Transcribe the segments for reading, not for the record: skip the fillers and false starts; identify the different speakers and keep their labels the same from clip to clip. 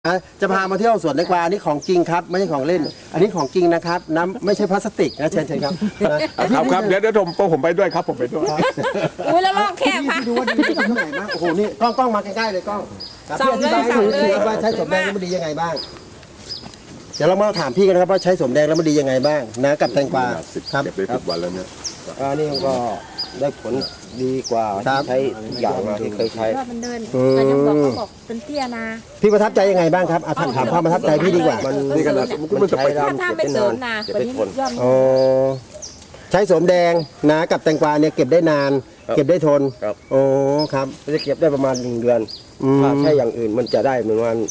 Speaker 1: จะพามาเที่ยวสวนแตงกวานี่ของจริงครับไม่ใช่ของเล่นอันนี้ของจริงนะครับน้ำไม่ใช่พลาสติกนะเชิญครับ
Speaker 2: ครับเดี๋ยวผมไปด้วยครับผมไปด้วย
Speaker 3: อุ้ยแล้วลอกแคบค่ะ
Speaker 1: ดูว่าดีตรงไหนบ้างโอ้โหนี่กล้องมาใกล้ๆเลยกล้องพี่อธิบายให้หนูว่าใช้สมแดงแล้วมันดียังไงบ้างเดี๋ยวเรามาถามพี่กันนะครับว่าใช้สมแดงแล้วมันดียังไงบ้างนะกับแตงกวาครับ
Speaker 2: เก็บได้10 วันแล้วเนี่ย
Speaker 4: นี่ก็ได้ผลดีกว่าที่ใช้อย่างที่เคยใช้
Speaker 3: มันเดินแต่ยังบอกเขาบอกเป็นเตี้ยนะ
Speaker 1: พี่ประทับใจยังไงบ้างครับถามความประทับใจพี่ดีกว่า
Speaker 2: นี่ขนาดมันจะไป
Speaker 3: ถ้าไม่เสริมนะตัวนี้ยอด
Speaker 1: ใช้สมแดงนะกับแตงกวาเนี่ยเก็บได้นานเก็บได้ทนโอ้ครับ
Speaker 4: จะเก็บได้ประมาณ1 เดือนถ้าใช้อย่างอื่นมันจะได้ประมาณ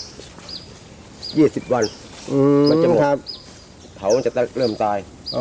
Speaker 4: 20 วันมันจะหมดเถาจะเริ่มตาย
Speaker 1: อ๋อ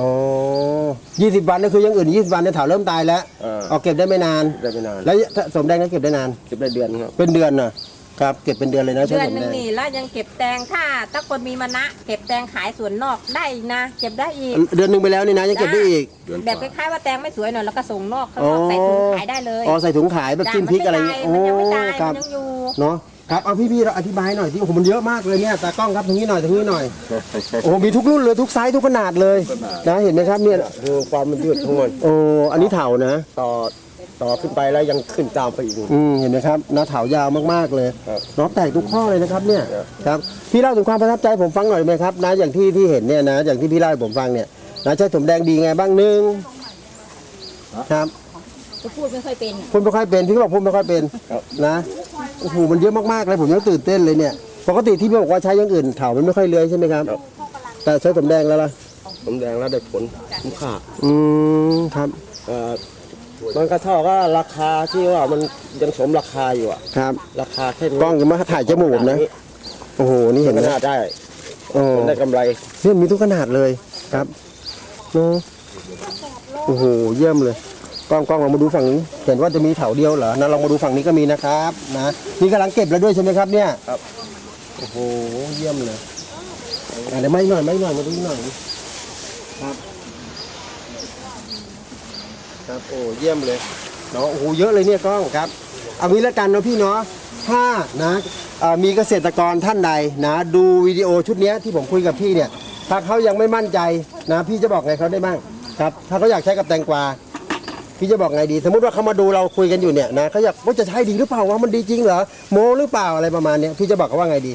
Speaker 1: 20 วันนี่คือยังอื่น20 วันเนี่ยเถาเริ่มตายแล้วเก็บได้ไม่นานแล้วสมแดงนั้นเก็บได้นาน
Speaker 4: เก็บได้เดือนครับ
Speaker 1: เป็นเดือนนะครับเก็บเป็นเดือนเลยนะ
Speaker 3: เดือนนึงนี่แล้วยังเก็บแตงถ้าคนมีมานะเก็บแตงขายสวนนอกได้นะเก็บได้อีก
Speaker 1: เดือนนึงไปแล้วนี่นะยังเก็บได้อีก
Speaker 3: แบบคล้ายๆว่าแตงไม่สวยหน่อยแล้วก็ส่งนอกข้างนอกใส่ถุงขายได้เลย
Speaker 1: ใส่ถุงขายแบบจิ้มพริกอะไรเงี้ย
Speaker 3: มันยังไม่ตายมันยังอยู่
Speaker 1: เนาะครับเอาพี่เราอธิบายหน่อยที่โอ้โหมันเยอะมากเลยเนี่ยตากล้องครับตรงนี้หน่อยโอ้โหมีทุกรุ่นเลยทุกไซส์ทุกขนาดเลยนะเห็นไหมครับเนี่ย
Speaker 4: คือความมันยืดทั้งหมด
Speaker 1: อันนี้เถานะ
Speaker 4: ต่อขึ้นไปแล้วยังขึ้นตามไปอีก
Speaker 1: เห็นไหมครับนะเถายาวมากๆเลยเนาะแตกทุกข้อเลยนะครับเนี่ยครับพี่เล่าถึงความประทับใจผมฟังหน่อยไหมครับนะอย่างที่เห็นเนี่ยนะอย่างที่พี่เล่าให้ผมฟังเนี่ยนะใช้สมแดงดีไงบ้างนึงครับ
Speaker 3: พูดไม่ค่อยเป็น
Speaker 1: พูดไม่ค่อยเป็นพี่ก็บอกพูดไม่ค่อยเป็นนะโอ้โหมันเยอะมากๆเลยผมยังตื่นเต้นเลยเนี่ยปกติที่พี่บอกว่าใช้อย่างอื่นเถามันไม่ค่อยเลื้อยใช่ไหมครับแต่ใช้สมแดงแล้วล่ะ
Speaker 4: สมแดงแล้วได้ผลคุ้มค่า
Speaker 1: ครับ
Speaker 4: มันก็เท่ากับราคาที่ว่ามันยังสมราคาอยู่อ่ะ
Speaker 1: ครับ
Speaker 4: ราคาแค่
Speaker 1: กล้องยังมาถ่ายจมูกนะโอ้โหนี่เห็นไหม
Speaker 4: ได้ได้กำไร
Speaker 1: เนี่ยมีทุกขนาดเลยครับโอ้โหเยี่ยมเลยกล้องเรามาดูฝั่งนี้เห็นว่าจะมีเถาเดียวเหรอนะลองมาดูฝั่งนี้ก็มีนะครับนะนี่กำลังเก็บแล้วด้วยใช่ไหมครับเนี่ย
Speaker 4: ครับ
Speaker 1: โอ้โหเยี่ยมเลยเดี๋ยวไม่หน่อยมาดูหน่อยครับครับโอ้เยี่ยมเลยเนาะโอ้โหเยอะเลยเนี่ยกล้องครับเอางี้ละกันเนาะพี่เนาะถ้านะมีเกษตรกรท่านใดนะดูวิดีโอชุดนี้ที่ผมคุยกับพี่เนี่ยถ้าเขายังไม่มั่นใจนะพี่จะบอกไงเขาได้บ้างครับถ้าเขาอยากใช้กับแตงกวาพี่จะบอกไงดีสมมติว่าเขามาดูเราคุยกันอยู่เนี่ยนะเขาอยากว่าจะใช้ดีหรือเปล่าว่ามันดีจริงเหรอโมหรือเปล่าอะไรประมาณนี้พี่จะบอกเขาว่าไงดี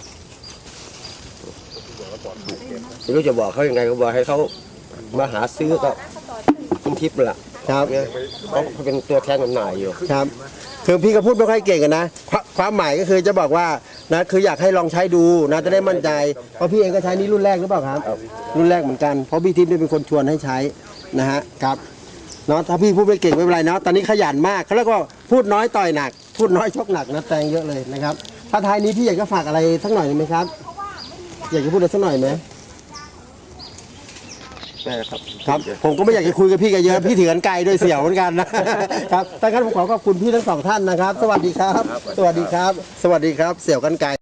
Speaker 4: ไม่รู้จะบอกเขายังไงก็บอกให้เขามาหาซื้อก็คุณทิพย์แหละ
Speaker 1: ครับ
Speaker 4: เขาเป็นตัวแทนจำหน่ายอยู่
Speaker 1: ครับคือพี่ก็พูดไม่ค่อยเก่งกันนะความหมายก็คือจะบอกว่านะคืออยากให้ลองใช้ดูนะจะได้มั่นใจเพราะพี่เองก็ใช้นี้รุ่นแรกหรือเปล่าครับรุ่นแรกเหมือนกันเพราะพี่ทิพย์เป็นคนชวนให้ใช้นะฮะครับเนาะถ้าพี่พูดไม่เก่งไม่เป็นไรเนาะตอนนี้ขยันมากเขาเรียกว่าพูดน้อยต่อยหนักพูดน้อยชกหนักนะแตงเยอะเลยนะครับถ้าท้ายนี้พี่อยากจะฝากอะไรสักหน่อยไหมครับอยากจะพูดอะไรสักหน่อยไหมครับผมก็ไม่อยากจะคุยกับพี่กันเยอะพี่ถือกันไกลด้วยเสี่ยวเหมือนกันนะครับดังนั้นผมขอบคุณพี่ทั้ง2 ท่านนะครับสวัสดีครับสวัสดีครับเสี่ยวกันไกล